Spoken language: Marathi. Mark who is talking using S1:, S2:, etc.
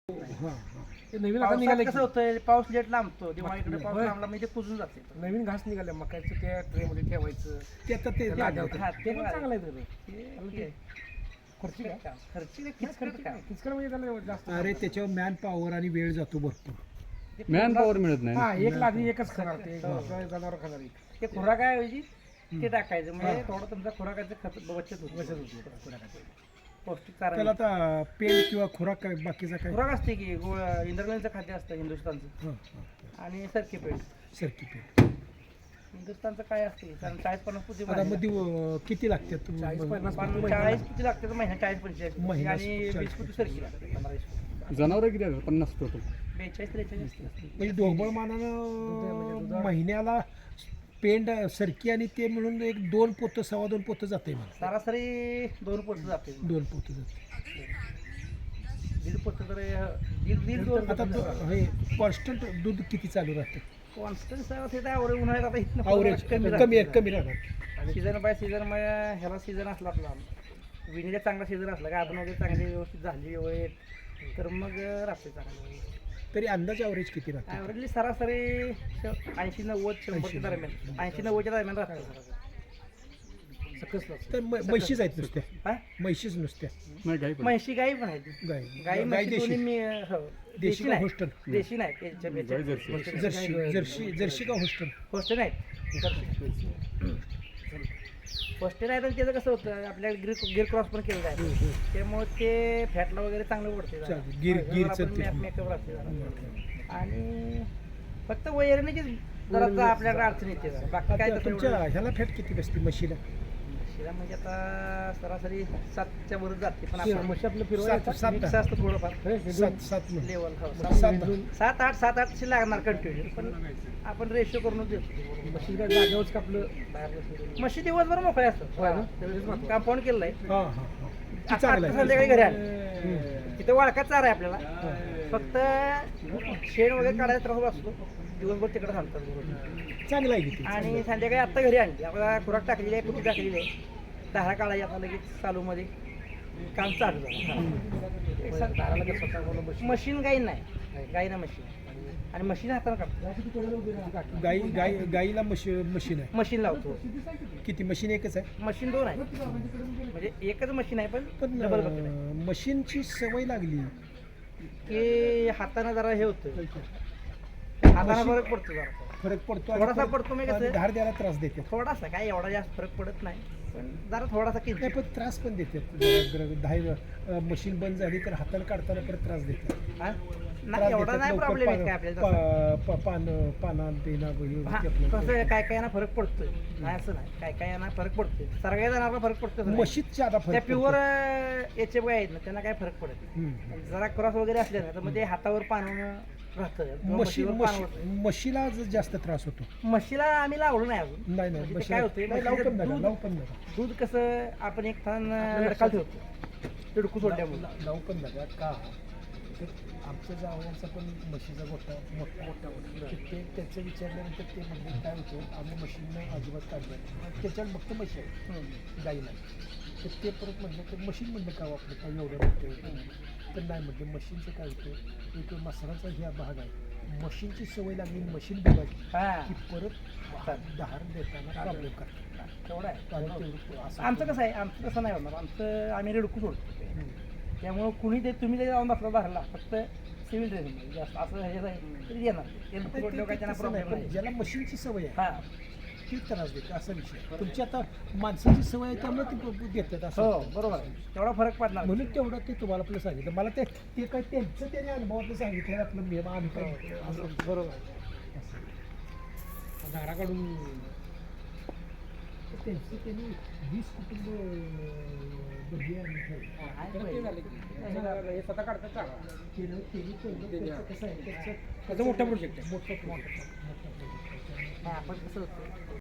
S1: हां, हां.
S2: ते नवीन आता
S3: पावसात
S2: निघाले
S3: कसं होतं, पाऊस लेट लांबतो दिवाळीकडे पाऊस
S2: होय.
S3: लांबला म्हणजे कुजून जाते.
S2: नवीन घास निघाले मकाचं त्या ट्रेमध्ये ठेवायचं
S1: ते आता ते
S2: त्याला
S1: लागलं
S2: आठवतं.
S3: हा,
S2: ते पण चांगलं आहे त्याचं.
S3: ते
S2: खुर्ची का
S3: काम. खर्चिक
S2: किचकट
S3: किचकट काम.
S2: किचकट म्हणजे त्याला एवढं जास्त
S1: अरे त्याच्यावर मॅन पॉवर आणि वेळ जातो भरपूर.
S3: ते
S4: मॅन
S3: खुरा-
S4: पॉवर मिळत नाही ना.
S2: हा एक लादी एकच खाणार ते जनावर खाणार एक.
S3: ते खुराक आहे ऐवजी ते टाकायचं म्हणजे थोडं तुमचा खुराकाचं खत बचत होती.
S2: बचत होती खुराकाची.
S3: पौष्टिक चारा
S1: त्याला आता पेंड किंवा खुराक काय बाकीचा काय
S3: खुराक असते की इंद्रगणचं खाद्य असतं हिंदुस्थानचं
S1: हां, हां.
S3: आणि सरकी पेंड.
S1: सरकी पेंड
S3: हिंदुस्थानचं काय असते कारण 40-50 पुती
S1: आता मध्ये किती लागतात
S2: 40-50
S3: 40 पुती लागते तर महिना 40-45
S1: महिना
S3: आणि
S1: 40.
S3: 20 पुती सरकी लागते 15-20 पुती.
S4: जनावर किती आहेत 50 टोटल.
S3: 42-43 असते.
S1: म्हणजे ढोबळ मानानं महिन्याला पेंड सरकी आणि ते मिळून एक 2 पोतं 2.25 पोतं जाते मला.
S3: सरासरी 2 पोत जाते.
S1: 2 पोतं जाते.
S3: 1.5 पोत तर दीड 2
S1: आता हे कॉन्स्टंट दूध किती चालू राहतं
S3: कॉन्स्टन्स आवडे उन्हाळ्यात आता इथनं
S1: ॲव्हरेज कमी राहणार.
S3: सीझन बाय सीझन ह्याला सीझन असला आपला विणीला चांगला सीझन असला का आपण वगैरे चांगली व्यवस्थित झाली वेळेत तर मग राहते चांगलं.
S1: तरी अंदाज ॲव्हरेज किती राहतं
S3: ॲव्हरेजली सरासरी 80-90-100 दरम्यान 80-90 दरम्यान राहते सरासरी.
S1: तर म्हशीच आहेत नुसत्या
S3: हा
S1: म्हशीच नुसत्या
S4: नाही काही पण.
S3: म्हशी गाई पण आहेत.
S1: गाय
S3: गाई म्हशी
S1: देशी
S3: दोन्ही मी हो.
S1: देशी
S3: देशी
S1: का
S3: नाही
S1: होस्टन
S3: देशी नाही
S4: गाई जर्सी.
S1: जर्सी का होस्टन
S3: होस्टेल आहेत होस्टेल आहे तर त्याचं कसं होतं आपल्याला गिर क्रॉस पण केलं आहे त्यामुळे ते फॅटला वगैरे चांगलं पडते जरा.
S1: चालेल. गिरचं ते.
S3: मेकअप राहते जरा. आणि फक्त वैरणीची जरा आपल्याकडे अडचण येते जरा. बाकी काय तसं
S1: तुमच्या
S3: एवढं-
S1: ह्याला फॅट किती बसते म्हशीला
S3: शिरा म्हणजे आता सरासरी 7च्या वर जाते पण आपण
S2: म्हशी आपलं
S1: सात
S2: फिरवायचं
S1: सात
S3: मिक्स असतं थोडंफार
S1: 7
S3: लेवल
S1: सात
S3: 7-8 लागणार कंटिन्यू पण आपण रेशो करूनच देतो
S2: म्हशी काय जागेवरच का आपलं
S3: म्हशी दिवसभर मोकळे असतात कंपाऊंड केलं आहे
S1: हां हां हां
S3: आता
S1: चांगलं आहे
S3: संध्याकाळी घरी आले तिथे वाळका चारा आहे आपल्याला फक्त शेण वगैरे काढायचा त्रास असतो दिवसभर तिकडे थांबतात
S1: चांगलं आहे किती
S3: आणि संध्याकाळी आत्ता घरी आणली आपल्याला खुराक टाकलेली आहे कुठे टाकलेली आहे धारा काढायची आता लगेच चालूमध्ये काम चालू झालं मशीन गाई नाही गाई ना मशीन आणि मशीन हाताने काढतो
S1: गाईला मशीन आहे
S3: मशीन लावतो
S1: किती मशीन एकच आहे
S3: मशीन 2 आहे म्हणजे एकच मशीन आहे पण
S1: पण
S3: डबल बकेट आहे
S1: मशीनची सवय लागली
S3: की हाताने जरा हे होतं हाताने फरक पडतो जरा
S1: फरक पडतो आणि
S3: थोडासा
S1: परत-
S3: पडतो म्हणजे कसं?
S1: आणि धार द्यायला त्रास देते
S3: थोडासा काय एवढा जास्त फरक पडत नाही पण जरा थोडासा
S1: नाही
S3: किंचित
S1: पण त्रास पण देते मशीन बंद झाली तर हाताला काढताना परत त्रास देते
S3: हा?
S1: त्रास
S3: नाही एवढा
S1: देतात.
S3: नाही
S1: लवकर
S3: प्रॉब्लेम येत काय आपल्याला तसं.
S1: पाना पेना
S3: हा, कसं आहे, काय काय ना फरक पडतोय नाही असं नाही काय काय ना फरक पडतोय सगळ्या जणांना फरक पडतो
S1: मशीद ज्यादा
S3: त्या
S1: फरक
S3: प्युअर याचे बघा आहेत ना त्यांना काय फरक पडत नाही.
S1: पडतो.
S3: जरा क्रॉस वगैरे असले ना तर मग ते हातावर पाणवून राहतं किंवा म्हशीवर पाणवतं.
S1: म्हशीला जास्त त्रास होतो
S3: म्हशीला आम्ही लावलो नाही अजून
S1: नाही
S3: म्हणजे ते
S1: म्हशीला-
S3: काय होतंय
S1: नाही, लावू पण
S3: म्हशीचं
S1: नका
S3: दूध-
S1: लावू पण नका
S3: दूध कसं आपण एक थान लडकाल ठेवतो तिडकू सोडल्यामुळे
S1: लावू पण नका का तर आमच्या जावयांचा पण म्हशीचा मोठा ते त्याचं विचारल्यानंतर ते म्हणजे काय होतं आम्ही मशीननं अजिबात काढलं त्याच्यावर फक्त म्हशी आहे गाई नाही तर ते परत म्हटलं तर मशीन म्हणलं का वापरलं काय एवढं मोठं तर नाही म्हटलं मशीनचं काय होतं एक मसालाचा ह्या भाग आहे मशीनची सवय लागली मशीन बघायची
S3: हा
S1: की परत दहार देताना प्रॉब्लेम करतात
S3: तेवढं आहे
S1: आणि तेवढं असं
S3: आमचं कसं आहे आमचं तसं नाही होणार आमचं आम्ही रेडकू सोडतो त्यामुळं कुणी ते तुम्ही जरी जाऊन बसला भरला फक्त सिव्हिल ट्रेनिंग जास्त असं हे जाईल तरी येणार रेडकू सोडल्यावर काय त्यांना
S1: तसं नाही,
S3: प्रॉब्लेम
S1: पण
S3: नाही
S1: ज्याला मशीनची सवय आहे
S3: हा
S1: ती त्रास देते असा विषय तुमची आता माणसाची सवय आहे त्यामुळे ती देतात असं
S3: हो बरोबर आहे तेवढा फरक पडणार
S1: म्हणून तेवढं ते तुम्हाला आपलं सांगितलं मला ते काय त्यांचं त्याने अनुभवातलं सांगितलं आपलं मी आम्ही काय असं
S3: बरोबर आहे.
S2: धारा काढून
S1: त्यांचं त्यांनी 20 कुटुंब बघी आणि ठेवली.
S2: हे स्वतः काढतात चांगला
S1: त्यांनी त्यांचं कसं आहे
S2: त्याचा मोठा प्रोजेक्ट आहे
S1: मोठा
S3: हा, आपण कसं होतं